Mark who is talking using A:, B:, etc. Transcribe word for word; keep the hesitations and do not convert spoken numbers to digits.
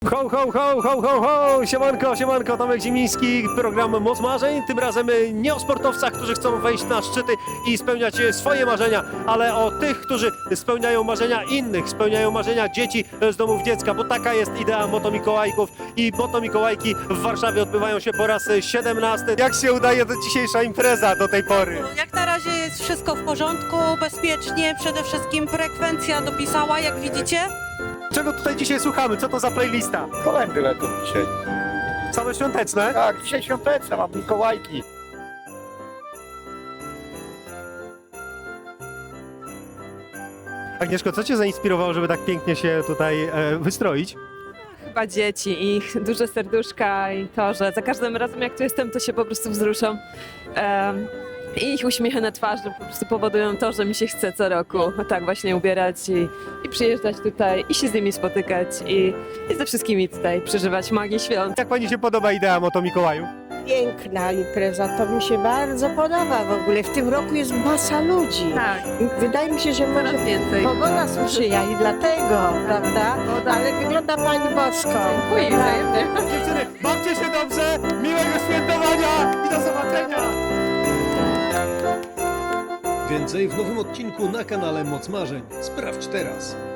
A: Ho, ho, ho, ho, ho, ho! Siemanko, siemanko, Tomek Zimiński, program Moc Marzeń. Tym razem nie o sportowcach, którzy chcą wejść na szczyty i spełniać swoje marzenia, ale o tych, którzy spełniają marzenia innych, spełniają marzenia dzieci z domów dziecka, bo taka jest idea Motomikołajków i Motomikołajki w Warszawie odbywają się po raz siedemnasty. Jak się udaje to dzisiejsza impreza do tej pory?
B: Jak na razie jest wszystko w porządku, bezpiecznie, przede wszystkim frekwencja dopisała, jak widzicie.
A: Czego tutaj dzisiaj słuchamy? Co to za playlista?
C: Kolędy lecą dzisiaj.
A: Same świąteczne?
C: Tak, dzisiaj świąteczne, mam Mikołajki.
A: Agnieszko, co cię zainspirowało, żeby tak pięknie się tutaj e, wystroić?
D: Chyba dzieci, ich duże serduszka i to, że za każdym razem jak tu jestem, to się po prostu wzruszam. Um, I ich uśmiechy na twarzy po prostu powodują to, że mi się chce co roku tak właśnie ubierać i, i przyjeżdżać tutaj i się z nimi spotykać i, i ze wszystkimi tutaj przeżywać magię świąt.
A: Jak pani się podoba idea Motomikołaju?
E: Piękna impreza, to mi się bardzo podoba w ogóle. W tym roku jest masa ludzi.
D: Tak,
E: Wydaje mi się, że może
D: coraz więcej.
E: pogoda sprzyja i dlatego, prawda? Ale wygląda pani bosko.
D: Dziękuję wzajemnie.
A: Dziewczyny, bawcie się dobrze, miłego świętowania i do zobaczenia!
F: Więcej w nowym odcinku na kanale Moc Marzeń. Sprawdź teraz.